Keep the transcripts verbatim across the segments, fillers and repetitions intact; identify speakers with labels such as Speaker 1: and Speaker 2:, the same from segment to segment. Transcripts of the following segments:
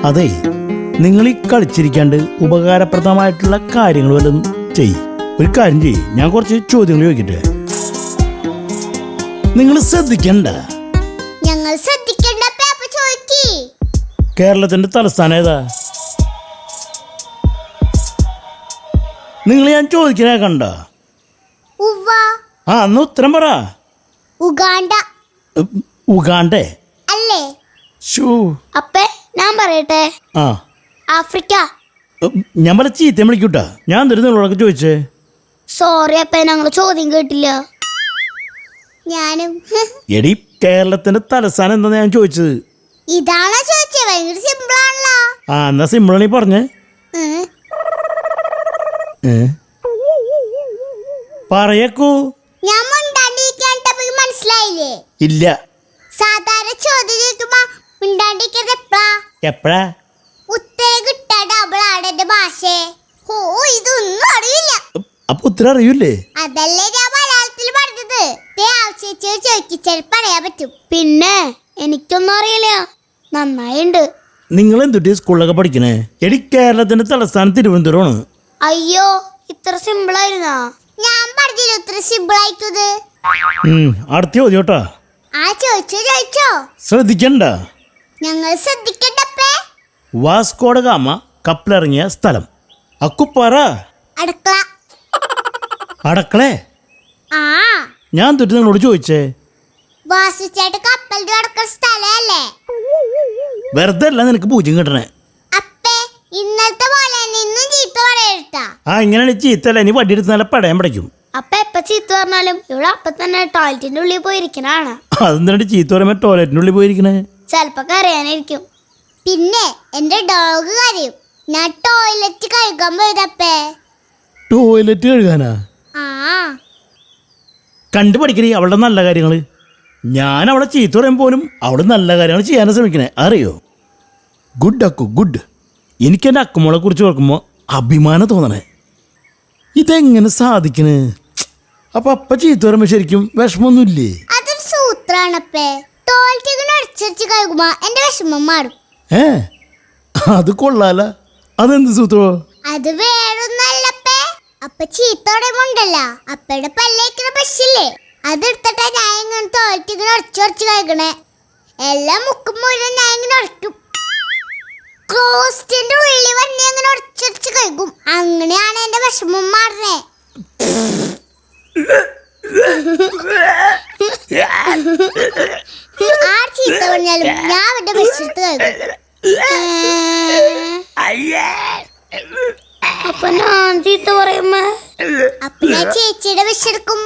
Speaker 1: അതെ, നിങ്ങൾ ഈ കളിച്ചിരിക്കാണ്ട് ഉപകാരപ്രദമായിട്ടുള്ള കാര്യങ്ങൾ വല്ലതും ചെയ്. ഒരു കാര്യം ചെയ്യ്, ഞാൻ കുറച്ച് ചോദ്യങ്ങൾ ചോദിക്കട്ടെ. നിങ്ങൾ ശ്രദ്ധിക്കണ്ട.
Speaker 2: ഞങ്ങൾ ശ്രദ്ധിക്കണ്ട. പേപ്പർ ചോദിക്ക്.
Speaker 1: കേരളത്തിന്റെ തലസ്ഥാനം ഏതാ? നിങ്ങൾ ഞാൻ ചോദിക്കണേ കണ്ട.
Speaker 2: ഉവ്വ.
Speaker 1: ആ അന്ന് ഉത്തരം പറ.
Speaker 2: ഉഗാണ്ട.
Speaker 1: ഉഗാണ്ടേ
Speaker 2: അല്ലേ?
Speaker 1: ഷൂ.
Speaker 2: അപ്പേ ഞാൻ പറയട്ടെ.
Speaker 1: ആ
Speaker 2: ആഫ്രിക്ക.
Speaker 1: ഞാൻ പല ചീത്ത വിളിക്കൂട്ടാ. ഞാൻ തരുന്ന നിങ്ങളോടൊക്കെ ചോദിച്ചേ.
Speaker 2: സോറി അപ്പേ, ഞങ്ങൾ ചോദ്യം കേട്ടില്ല. ഞാനും.
Speaker 1: എടി, കേരളത്തിന്റെ തലസ്ഥാനം എന്താ ഞാൻ ചോദിച്ചത്?
Speaker 2: ഇതാണോ ചോദിച്ചത്? ഭയങ്കര സിമ്പിൾ ആണല്ലോ.
Speaker 1: ആ എന്നാ സിമ്പിൾ നീ പറഞ്ഞേ. പറയക്കൂ.
Speaker 2: ഞാൻ മിണ്ടാണ്ടിരിക്കാൻ മനസ്സിലായില്ലേ?
Speaker 1: ഇല്ല.
Speaker 2: സാധാരണ ചോദ്യം ചോദിക്കുമ്പോ മിണ്ടാണ്ടിരിക്കുന്നത് എപ്പഴാ?
Speaker 1: എപ്പഴാ?
Speaker 2: ഉത്തരം കിട്ടാ ഡബിൾ ആണ് എന്റെ ഭാഷ. ഓ, ഇതൊന്നും അറിയില്ല.
Speaker 1: അപ്പൊ ഉത്തരം അറിയൂലേ?
Speaker 2: അതല്ലേ ഞാൻ മലയാളത്തിൽ പറഞ്ഞത്. ചോദിച്ചു ചിലപ്പോ അറിയാൻ പറ്റും. പിന്നെ എനിക്കൊന്നും അറിയില്ല. നന്നായിണ്ട്.
Speaker 1: നിങ്ങൾ എന്തുട്ടി സ്കൂളിലൊക്കെ പഠിക്കണേ? എടി, കേരളത്തിന്റെ തലസ്ഥാനം തിരുവനന്തപുരമാണ്.
Speaker 2: അയ്യോ, ഇത്ര സിമ്പിൾ ആയിരുന്നാ? ഞാൻ പറഞ്ഞില്ല ഇത്ര സിമ്പിൾ ആയിട്ടത്.
Speaker 1: അടുത്ത ചോദ്യം കേട്ടാ.
Speaker 2: ആ ചോദിച്ചോ ചോദിച്ചോ.
Speaker 1: ശ്രദ്ധിക്കണ്ട.
Speaker 2: ഞങ്ങൾ ശ്രദ്ധിക്കണ്ടപ്പേ.
Speaker 1: വാസ്കോഡ ഗാമ കപ്പലിറങ്ങിയ സ്ഥലം. അക്കുപ്പാറ.
Speaker 2: അടുക്കള.
Speaker 1: അടക്കളേ?
Speaker 2: ആ
Speaker 1: ഞാൻ തൊട്ട് നിങ്ങളോട് ചോദിച്ചേ.
Speaker 2: വാസിച്ചേട്ട് കപ്പലിന്റെ അടുക്കള സ്ഥലല്ലേ?
Speaker 1: വെറുതെ അല്ല നിനക്ക് പൂജ്യം കിട്ടണേ.
Speaker 2: അപ്പേ, ഇന്നലത്തെ പോലെ ഇന്നും ചീത്ത പറയരുതാ.
Speaker 1: ആ ഇങ്ങനെയാണ് ചീത്തല്ല. ഇനി വടിയെടുത്ത് നല്ല പടയാൻ പഠിക്കും.
Speaker 2: അപ്പ എപ്പ ചീത്ത പറഞ്ഞാലും ഇവിടെ അപ്പ തന്നെ ടോയ്ലറ്റിന്റെ ഉള്ളിൽ പോയിരിക്കണാണ്.
Speaker 1: അതെന്താ ചീത്ത പറയുമ്പോ ടോയ്ലറ്റിന്റെ ഉള്ളിൽ പോയിരിക്കണേ?
Speaker 2: ചെലപ്പോ കരയാനായിരിക്കും. പിന്നെ എന്റെ ഡോഗ് കരയും ഞാൻ ടോയ്ലറ്റ് കഴുകാൻ പോയതപ്പേ.
Speaker 1: ടോയ്ലറ്റ് കഴുകാനാ?
Speaker 2: ആ
Speaker 1: കണ്ടു പഠിക്കണേ അവളുടെ നല്ല കാര്യങ്ങള്. ഞാൻ അവളെ ചീത്ത പറയാൻ പോലും അവള് നല്ല കാര്യങ്ങൾ ചെയ്യാൻ ശ്രമിക്കണേ, അറിയോ? Good Akku, good. എനിക്ക് എൻ്റെ അക്കുമോളെ കുറിച്ച് ഓർക്കുമ്പോൾ അഭിമാനം തോന്നണേ. ഇതെങ്ങനെ സാധിക്കണേ? അപ്പൊ അപ്പ ചീത്ത പറയുമ്പോ ശരിക്കും വിഷമൊന്നുമില്ലേ?
Speaker 2: അതൊരു സൂത്രാണപ്പേ. ടോയ്ലറ്റ് അടിച്ചടിച്ച് കഴുകുമ്പോ എന്റെ വിഷമം മാറും.
Speaker 1: ഏ അത് കൊള്ളാല. അതെന്ത് സൂത്രോ?
Speaker 2: അത് വേറൊന്നല്ലപ്പേ. അപ്പ ചീത്തോടെമുണ്ടല്ല അപ്പയുടെ പല്ലേക്കുന്ന ബ്രഷില്ലേ, അതെടുത്തിട്ടാ ഞാൻ ഇങ്ങനെ ടോയ്ലറ്റ് ഇങ്ങനെ ഉടച്ചുടച്ച് കഴിക്കണേ. എല്ലാം മുക്കും മുഴുവൻ ഞാൻ ഇങ്ങനെ ഉടക്കും. ക്ലോസ്റ്റിന്റെ ഉള്ളിൽ വന്നെ അങ്ങനെ ഉടച്ചുടച്ച് കഴിക്കും. അങ്ങനെയാണ് എന്റെ വിഷമം മാറണേ. ആ ചീത്ത പറഞ്ഞാലും ഞാൻ അവന്റെ ബ്രഷെടുത്ത് കഴിക്കും. അപ്പൊ ഞാൻ ചീത്ത പറയുമ്പോ അപ്പൊ ഞാൻ ചേച്ചിയുടെ വിഷെടുക്കും.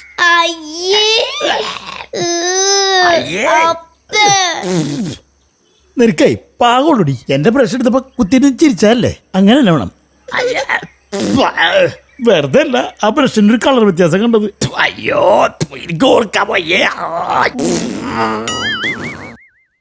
Speaker 1: നിനക്കേ പാകോളൂടി. എന്റെ ബ്രഷ് എടുത്തപ്പോ കുത്തിട്ട് ചിരിച്ചല്ലേ? അങ്ങനെയല്ല വേണം. വെറുതെ അല്ല ആ ബ്രഷിന്റെ ഒരു കളർ വ്യത്യാസം കണ്ടത്.
Speaker 3: അയ്യോ, എനിക്ക് ഓർക്കാൻ വയ്യ.